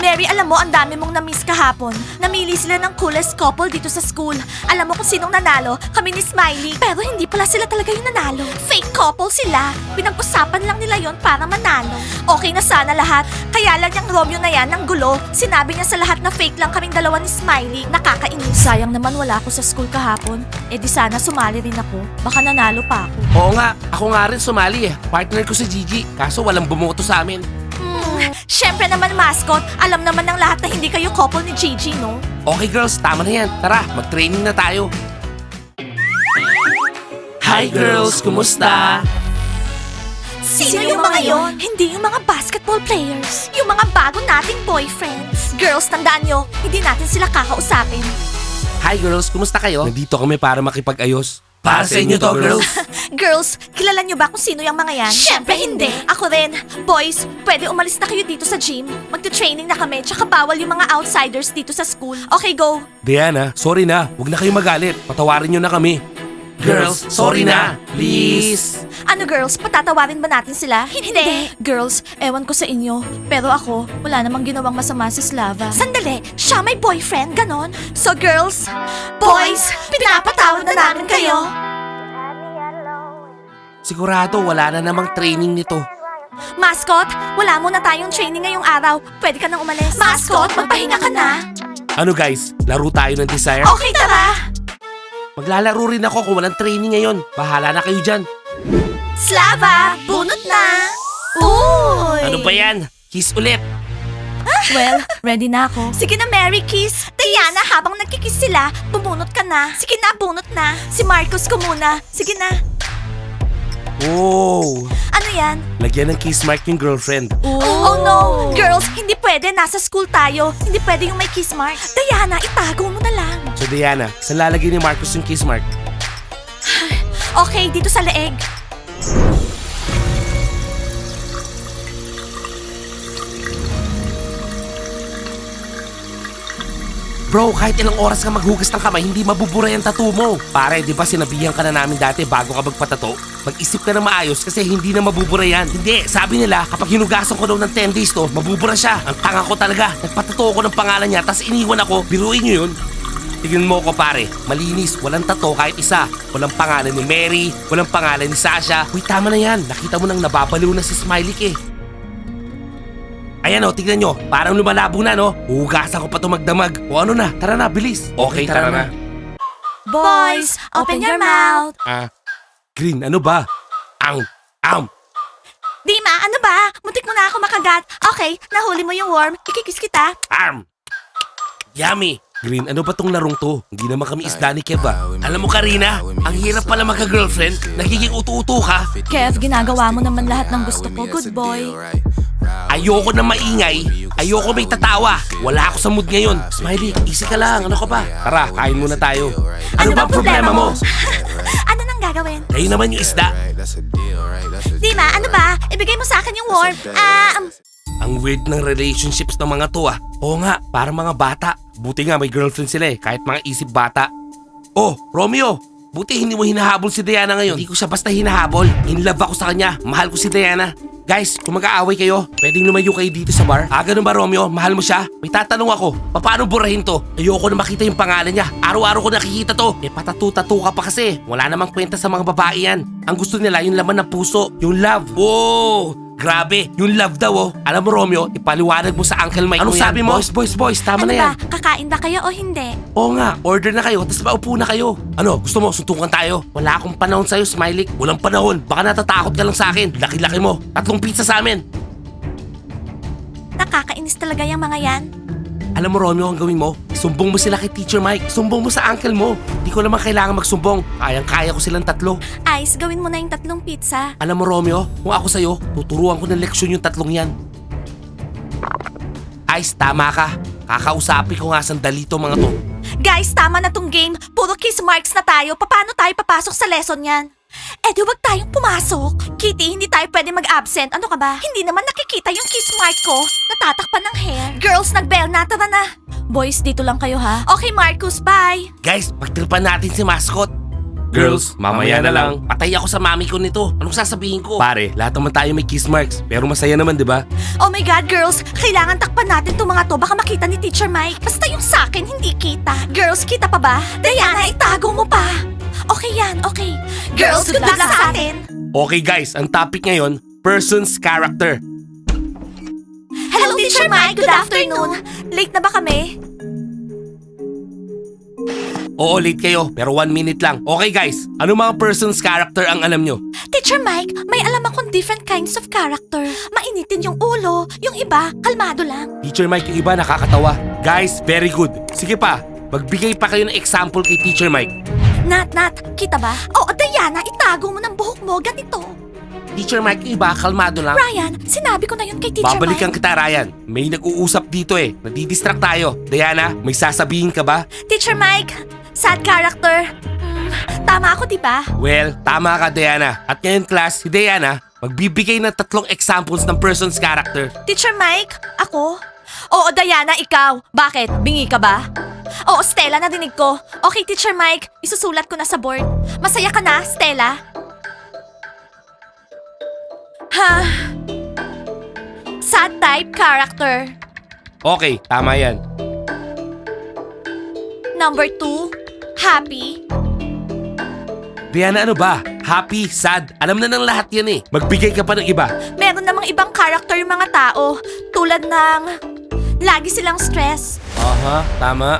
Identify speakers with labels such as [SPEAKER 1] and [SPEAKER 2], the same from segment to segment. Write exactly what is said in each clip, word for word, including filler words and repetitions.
[SPEAKER 1] Mary, alam mo, ang dami mong na-miss kahapon. Namili sila ng coolest couple dito sa school. Alam mo kung sinong nanalo? Kami ni Smiley. Pero hindi pala sila talaga yung nanalo. Fake couple sila. Pinag-usapan lang nila yon para manalo. Okay na sana lahat. Kaya lang yung Romeo na yan ng gulo. Sinabi niya sa lahat na fake lang kaming dalawa ni Smiley. Nakakainis. Sayang naman wala ako sa school kahapon. Eh di sana sumali rin ako. Baka nanalo pa ako.
[SPEAKER 2] Oo nga, ako nga rin sumali eh. Partner ko si Gigi, kaso walang bumoto sa amin.
[SPEAKER 1] Hmm, syempre naman mascot. Alam naman ng lahat na hindi kayo couple ni Gigi, no?
[SPEAKER 2] Okay girls, tama na yan. Tara, mag-training na tayo. Hi girls, kumusta?
[SPEAKER 1] Sino, yung mga yon? Hindi yung mga basketball players. Yung mga bago nating boyfriends. Girls, tandaan nyo, hindi natin sila kakausapin.
[SPEAKER 2] Hi girls, kumusta kayo? Nandito kami para makipag-ayos. Para sa inyo to, girls.
[SPEAKER 1] Girls, kilala nyo ba kung sino yung mga yan? Syempre hindi. Ako rin. Boys, pwede umalis na kayo dito sa gym. Magte-training na kami, tsaka bawal yung mga outsiders dito sa school. Okay, go.
[SPEAKER 2] Diana, sorry na. Huwag na kayo magalit. Patawarin nyo na kami. Girls, sorry na. Please.
[SPEAKER 1] Ano girls, patatawarin ba natin sila? Hindi. Girls, ewan ko sa inyo. Pero ako, wala namang ginawang masama si Slava. Sandali, siya may boyfriend, ganon? So girls, boys, pinapatawad na namin kayo.
[SPEAKER 2] Sigurado wala na namang training nito.
[SPEAKER 1] Mascot, wala muna tayong training ngayong araw. Pwede ka nang umalis. Mascot, magpahinga ka na.
[SPEAKER 2] Ano guys, laro tayo ng Desire?
[SPEAKER 1] Okay, tara.
[SPEAKER 2] Maglalaro rin ako kung walang training ngayon. Bahala na kayo dyan.
[SPEAKER 1] Slava, bunot na. Uy!
[SPEAKER 2] Ano ba yan? Kiss ulit.
[SPEAKER 1] Well, ready na ako. Sige na, Mary, kiss. Diana, habang nagkikiss sila, bumunot ka na. Sige na, bunot na. Si Marcus ko muna. Sige na.
[SPEAKER 2] Oh,
[SPEAKER 1] Ano yan?
[SPEAKER 2] lagyan ng kiss mark yung girlfriend.
[SPEAKER 1] Oh no! Girls, hindi pwede. Nasa school tayo. Hindi pwede yung may kiss mark. Diana, itago mo na lang.
[SPEAKER 2] So Diana, saan lalagyan ni Marcus yung kiss mark?
[SPEAKER 1] Okay, dito sa leeg.
[SPEAKER 2] Bro, kahit ilang oras ka maghugas ng kamay, hindi mabubura yung tattoo mo. Pare, di ba sinabihan ka na namin dati bago ka magpatato? Mag-isip ka na maayos kasi hindi na mabubura yan. Hindi, sabi nila kapag hinugasan ko daw ng ten days to, mabubura siya. Ang tanga ko talaga. Nagpatato ko ng pangalan niya, tas iniwan ako. Biruin nyo yun. Tignan mo ko pare, malinis, walang tato kahit isa. Walang pangalan ni Mary, walang pangalan ni Sasha. Uy, tama na yan. Nakita mo nang nababaliw na si Smiley eh. Ayan o, tignan nyo. Parang lumalabo na no. Hugasan ko pa to magdamag. O ano na, tara na, bilis. Okay, tara, na.
[SPEAKER 1] Boys, open your mouth.
[SPEAKER 2] Ah, Green, ano ba? Ang, am.
[SPEAKER 1] Dima, ano ba? Muntik mo na ako makagat. Okay, nahuli mo yung worm. Ikikis kita.
[SPEAKER 2] Arm! Yummy! Green, ano ba tong larong to? Hindi naman kami isda ni Kev ah. Alam mo Karina, ang hirap pala magka-girlfriend. Nagiging utu-utu ka.
[SPEAKER 1] Kev, ginagawa mo naman lahat ng gusto ko. Good boy.
[SPEAKER 2] Ayoko na maingay. Ayoko may tatawa. Wala ako sa mood ngayon. Smiley, easy ka lang. Ano ka ba? Tara, kain muna tayo. Ano, ba ang problema mo?
[SPEAKER 1] Ano nang gagawin?
[SPEAKER 2] Kayo naman yung isda.
[SPEAKER 1] Dima, ano ba? Ibigay mo sa akin yung worm. Ah, um,
[SPEAKER 2] Ang weird ng relationships ng mga to ah. Oo nga, parang mga bata. Buti nga may girlfriend sila eh, kahit mga isip bata. Oh, Romeo! Buti hindi mo hinahabol si Diana ngayon. Hindi ko siya basta hinahabol. In love ako sa kanya. Mahal ko si Diana. Guys, kung mag-aaway kayo, pwedeng lumayo kayo dito sa bar. Ah, ganun ba Romeo? Mahal mo siya? May tatanong ako, paano burahin to? Ayoko na makita yung pangalan niya. Araw-araw ko nakikita to. Eh patatu-tatu ka pa kasi. Wala namang kwenta sa mga babae yan. Ang gusto nila yung laman ng puso, yung love. Wow! Grabe, yung love daw oh. Alam mo Romeo, ipaliwanag mo sa Uncle Mike. Anong sabi mo? Boys, boys, boys, tama
[SPEAKER 1] ano
[SPEAKER 2] na yan.
[SPEAKER 1] ba? Kakain ba kayo o hindi?
[SPEAKER 2] Oo nga, order na kayo, tapos maupo na kayo. Ano, gusto mo, suntukan tayo? Wala akong panahon sa'yo, Smiley. Walang panahon, baka natatakot ka lang sa akin. Laki-laki mo, tatlong pizza sa amin.
[SPEAKER 1] Nakakainis talaga yung mga yan.
[SPEAKER 2] Alam mo Romeo, ang gawin mo, sumbong mo sila kay Teacher Mike. Sumbong mo sa uncle mo. Hindi ko naman kailangan magsumbong. Kayang-kaya ko silang tatlo.
[SPEAKER 1] Ice, gawin mo na yung tatlong pizza.
[SPEAKER 2] Alam mo Romeo, kung ako sa'yo, tuturuan ko ng leksyon yung tatlong yan. Ice, tama ka. Kakausapin ko nga sandali to mga to.
[SPEAKER 1] Guys, tama na tong game. Puro kiss marks na tayo. Paano tayo papasok sa lesson yan? Eh di wag tayong pumasok. Kitty, hindi tayo pwede mag-absent. Ano ka ba? Hindi naman nakikita yung kiss mark ko. Natatakpan ng hair. Girls, nag-bell na. Tara na. Boys, dito lang kayo ha. Okay, Marcus, bye.
[SPEAKER 2] Guys, pagtripan natin si Mascot. Girls, mamaya na lang. Patay ako sa mami ko nito. Anong sasabihin ko? Pare, lahat naman tayo may kiss marks. Pero masaya naman, di ba?
[SPEAKER 1] Oh my God, girls! Kailangan takpan natin itong mga to. Baka makita ni Teacher Mike. Basta yung sa akin, hindi kita. Girls, kita pa ba? Diana, itago mo pa. Okay yan, okay. Girls, good, luck, sa atin.
[SPEAKER 2] Okay guys, ang topic ngayon, person's character.
[SPEAKER 1] Hello, Teacher Mike. Good afternoon. Late na ba kami?
[SPEAKER 2] Oo, late kayo, pero one minute lang. Okay guys, ano mga person's character ang alam nyo?
[SPEAKER 1] Teacher Mike, may alam akong different kinds of character. Mainitin yung ulo, yung iba, kalmado lang.
[SPEAKER 2] Teacher Mike, yung iba nakakatawa. Guys, very good. Sige pa, magbigay pa kayo ng example kay Teacher Mike.
[SPEAKER 1] Nat, Nat, kita ba? Oo, Diana, itago mo ng buhok mo, ganito.
[SPEAKER 2] Teacher Mike, yung iba, kalmado lang.
[SPEAKER 1] Ryan, sinabi ko na yun kay Teacher
[SPEAKER 2] Babalikan
[SPEAKER 1] Mike.
[SPEAKER 2] kita, Ryan. May nag-uusap dito eh. Nadidistract tayo. Diana, may sasabihin ka ba?
[SPEAKER 1] Teacher Mike, sad character. Hmm, tama ako, di ba?
[SPEAKER 2] Well, tama ka, Diana. At ngayon, class, si Diana, magbibigay ng tatlong examples ng person's character.
[SPEAKER 1] Teacher Mike, ako? Oo, Diana, ikaw. Bakit? Bingi ka ba? Oo, Stella, narinig ko. Okay, Teacher Mike, isusulat ko na sa board. Masaya ka na, Stella? Ha? Sad type character.
[SPEAKER 2] Okay, tama yan.
[SPEAKER 1] Number two, happy.
[SPEAKER 2] Diana, ano ba? Happy, sad, alam na ng lahat yan eh. Magbigay ka pa ng iba.
[SPEAKER 1] Meron namang ibang character yung mga tao. Tulad ng, lagi silang stress.
[SPEAKER 2] Aha, tama.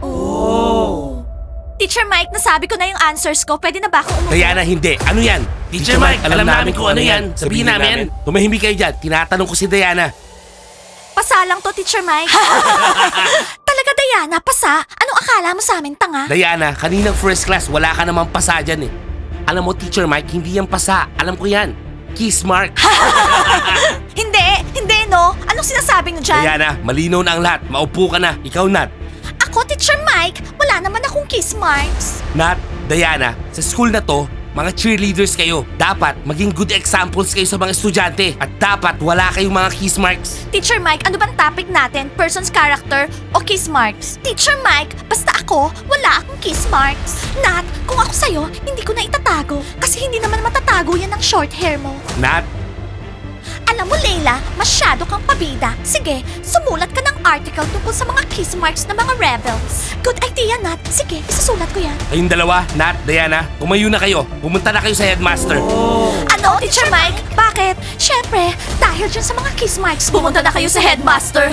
[SPEAKER 1] Oh. Teacher Mike, nasabi ko na yung answers ko. Pwede na ba akong umuwi?
[SPEAKER 2] Diana, hindi. Ano yan? Teacher Mike, alam namin kung ano yan. Sabihin namin. Tumahimik kayo dyan. Tinatanong ko si Diana.
[SPEAKER 1] Pasa lang to, Teacher Mike. Talaga, Diana, pasa? Anong akala mo sa amin, tanga?
[SPEAKER 2] Diana, kaninang first class, wala ka namang pasa dyan eh. Alam mo, Teacher Mike, hindi yan pasa. Alam ko yan. Kiss mark.
[SPEAKER 1] Hindi, hindi no. Anong sinasabi nyo dyan?
[SPEAKER 2] Diana, malinaw na ang lahat. Maupo ka na. Ikaw, Nat.
[SPEAKER 1] Ako, Teacher Mike, wala naman akong kiss marks.
[SPEAKER 2] Nat, Diana, sa school na to, mga cheerleaders kayo. Dapat maging good examples kayo sa mga estudyante. At dapat wala kayong mga kiss marks.
[SPEAKER 1] Teacher Mike, ano bang topic natin? Person's character o kiss marks? Teacher Mike, basta ako, wala akong kiss marks. Nat, kung ako sa'yo, hindi ko na itatago. Kasi hindi naman matatago yan ng short hair mo.
[SPEAKER 2] Nat,
[SPEAKER 1] Alam mo, Leila, masyado kang pabida. Sige, sumulat ka ng article tungkol sa mga kiss marks ng mga rebels. Good idea, Nat. Sige, isusulat ko yan.
[SPEAKER 2] kayong dalawa, Nat, Diana, tumayo na kayo. Pumunta na kayo sa headmaster.
[SPEAKER 1] Ano, Teacher Mike? Bakit? Siyempre, dahil dyan sa mga kiss marks, pumunta na kayo sa headmaster.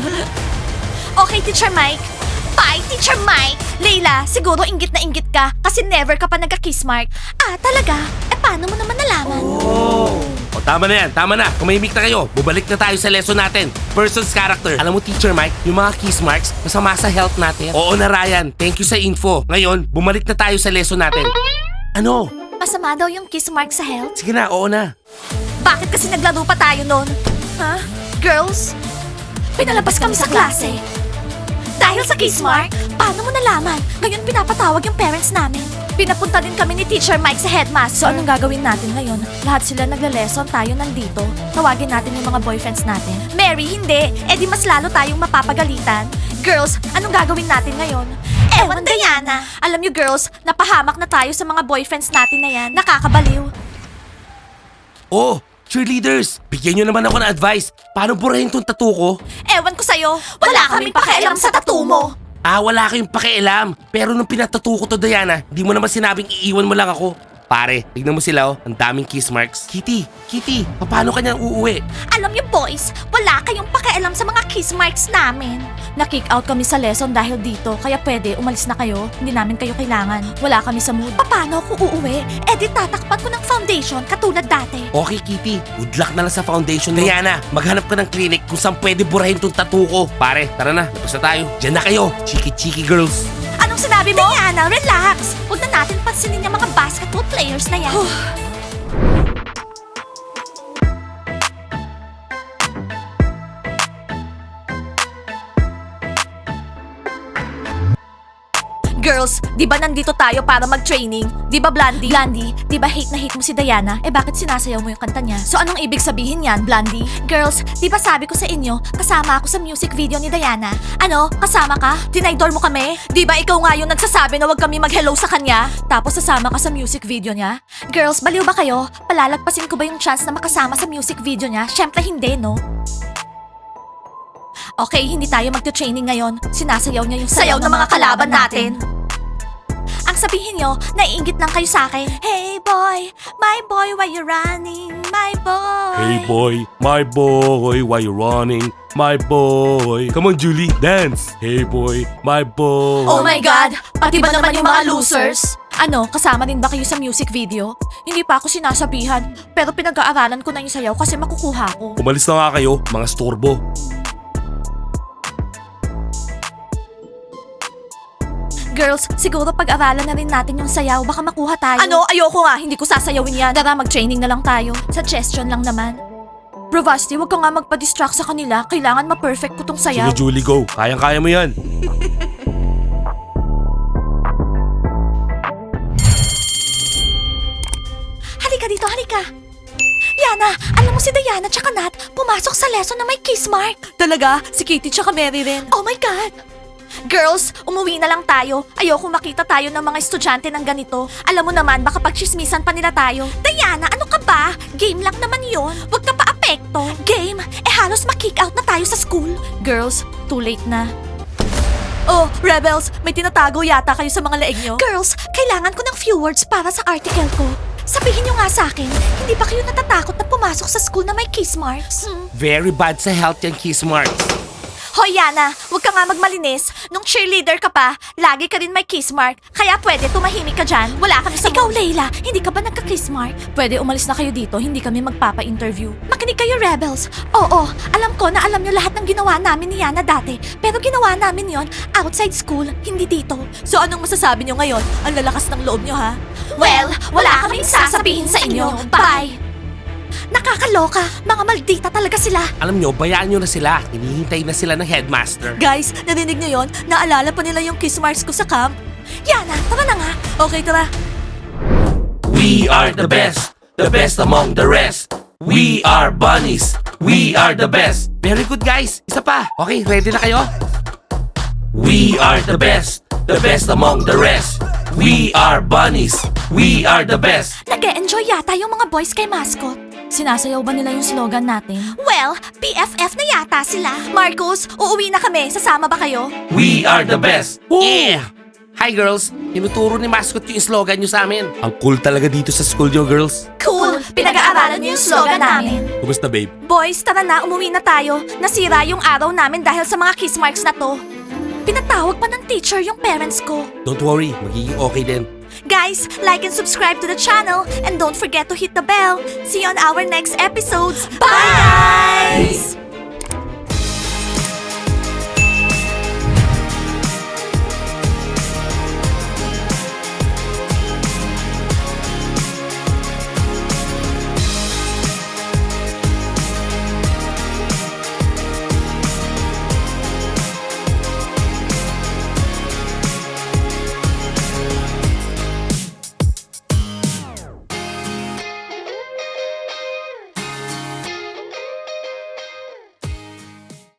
[SPEAKER 1] Okay, Teacher Mike. Bye, Teacher Mike. Leila, siguro inggit na inggit ka kasi never ka pa nagka-kiss mark. Ah, talaga? Eh, paano mo naman nalaman?
[SPEAKER 2] O tama na yan, tama na. Kumahimik na kayo. Bubalik na tayo sa lesson natin. Person's character. Alam mo, Teacher Mike, yung mga kiss marks, masama sa health natin. Oo na, Ryan. Thank you sa info. Ngayon, bumalik na tayo sa lesson natin. Ano?
[SPEAKER 1] Masama daw yung kiss mark sa health?
[SPEAKER 2] Sige na, oo na.
[SPEAKER 1] Bakit kasi naglaro pa tayo nun? Ha? Girls? Pinalabas kami sa klase. Dahil sa kiss mark? Paano mo nalaman? Ngayon pinapatawag yung parents namin. Pinapunta din kami ni Teacher Mike sa headmaster. So anong gagawin natin ngayon? Lahat sila nagle-lesson, tayo nandito. Tawagin natin yung mga boyfriends natin. Mary, hindi. Eh di mas lalo tayong mapapagalitan. Girls, anong gagawin natin ngayon? Ewan, Diana. Alam niyo girls, napahamak na tayo sa mga boyfriends natin na yan. Nakakabaliw.
[SPEAKER 2] Oh, cheerleaders, bigyan nyo naman ako ng advice. Paano burahin tong tattoo ko?
[SPEAKER 1] Ewan ko sa'yo, wala kaming pakialam sa tattoo mo.
[SPEAKER 2] Ah, wala kayong pakialam. Pero nung pinatattoo ko to, Diana, di mo naman sinabing iiwan mo lang ako. Pare, tignan mo sila oh, ang daming kiss marks. Kitty, Kitty, paano ka niyang uuwi?
[SPEAKER 1] Alam niyo boys, wala kayong pakialam sa mga kiss marks namin. Na-kick out kami sa lesson dahil dito, kaya pwede umalis na kayo. Hindi namin kayo kailangan. Wala kami sa mood. Paano ako uuwi? Eh di tatakpan ko ng foundation katulad dati.
[SPEAKER 2] Okay, Kitty, good luck na lang sa foundation mo. Diana, maghanap ka ng clinic kung saan pwede burahin tong tattoo ko. Pare, tara na, labas na tayo. Diyan na kayo, chiki-chiki girls.
[SPEAKER 1] Anong sinabi mo? Diana, relax. Huwag na natin pansinin yung mga basketball players na yan. Girls, di ba nandito tayo para mag-training? Di ba, Blandy? Blandy, di ba hate na hate mo si Diana? Eh bakit sinasayaw mo yung kanta niya? So anong ibig sabihin yan, Blandy? Girls, di ba sabi ko sa inyo, kasama ako sa music video ni Diana? Ano? Kasama ka? Dinaydor mo kami? Di ba ikaw nga yung nagsasabi na wag kami mag-hello sa kanya? Tapos sasama ka sa music video niya? Girls, baliw ba kayo? Palalagpasin ko ba yung chance na makasama sa music video niya? Syempre hindi, no? Okay, hindi tayo magte-training ngayon. Sinasayaw niya yung sayaw, ng mga kalaban natin. Ang sabihin nyo, naiingit lang kayo sa akin. Hey boy, my boy, why you running? My boy.
[SPEAKER 2] Hey boy, my boy, why you running? My boy. Come on, Julie, dance. Hey boy, my boy.
[SPEAKER 1] Oh my God! Pati ba naman yung mga losers? Ano, kasama din ba kayo sa music video? Hindi pa ako sinasabihan, pero pinag-aaralan ko na yung sayaw kasi makukuha ko.
[SPEAKER 2] Umalis na nga kayo, mga storbo.
[SPEAKER 1] Girls, siguro pag-aralan na rin natin yung sayaw, baka makuha tayo. Ano? Ayoko nga, hindi ko sasayawin yan. Tara, mag-training na lang tayo. Suggestion lang naman. Bro Vasti, huwag ka nga magpa-distract sa kanila. Kailangan ma-perfect ko tong sayaw.
[SPEAKER 2] Sige, Julie, go. Kayang-kaya mo yan.
[SPEAKER 1] Halika dito, halika. Yana, alam mo si Diana tsaka Nat, pumasok sa lesson na may kiss mark. Talaga? Si Kitty tsaka Mary rin. Oh my God! Girls, umuwi na lang tayo. Ayoko makita tayo ng mga estudyante ng ganito. Alam mo naman, baka pagchismisan pa nila tayo. Diana, ano ka ba? Game lang naman yon. Huwag ka pa apekto. Game? Eh halos ma-kick out na tayo sa school. Girls, too late na. Oh, Rebels, may tinatago yata kayo sa mga leeg nyo. Girls, kailangan ko ng few words para sa article ko. Sabihin nyo nga sa akin, hindi ba kayo natatakot na pumasok sa school na may kiss marks? Hmm?
[SPEAKER 2] Very bad sa health yung kiss marks.
[SPEAKER 1] Hoy Yana, huwag ka nga magmalinis. Nung cheerleader ka pa, lagi ka rin may kiss mark. Kaya pwede tumahimik ka dyan. Wala kami sa Ikaw, Layla, hindi ka ba nagka-kiss mark? Pwede umalis na kayo dito, hindi kami magpapa-interview. Makinig kayo, Rebels. Oo, alam ko na alam nyo lahat ng ginawa namin ni Yana dati. Pero ginawa namin yon outside school, hindi dito. So anong masasabi nyo ngayon? Ang lalakas ng loob nyo, ha? Well, wala kaming sasabihin sa inyo. Bye! Nakakaloka, mga maldita talaga sila.
[SPEAKER 2] Alam nyo, bayaan nyo na sila. Hinihintay na sila ng headmaster.
[SPEAKER 1] Guys, narinig niyo yon? Naalala pa nila yung kiss marks ko sa camp? Yana, tara na nga. Okay, tara.
[SPEAKER 2] We are the best, the best among the rest. We are bunnies, we are the best. Very good guys, isa pa. Okay, ready na kayo? We are the best, the best among the rest. We are bunnies, we are the best.
[SPEAKER 1] Nag-e-enjoy yata yung mga boys kay mascot. Sinasayaw ba nila yung slogan natin? Well, P F F na yata sila. Marcos, uuwi na kami. Sasama ba kayo?
[SPEAKER 2] We are the best. Yeah! Hi girls, tinuturo ni mascot yung slogan nyo sa amin. Ang cool talaga dito sa school nyo, girls.
[SPEAKER 1] Cool! Pinag-aaralan niyo yung slogan namin.
[SPEAKER 2] Kumusta, babe?
[SPEAKER 1] Boys, tara na, umuwi na tayo. Nasira yung araw namin dahil sa mga kiss marks na to. Pinatawag pa ng teacher yung parents ko.
[SPEAKER 2] Don't worry, magiging okay din.
[SPEAKER 1] Guys, like and subscribe to the channel and don't forget to hit the bell. See you on our next episodes. Bye, guys!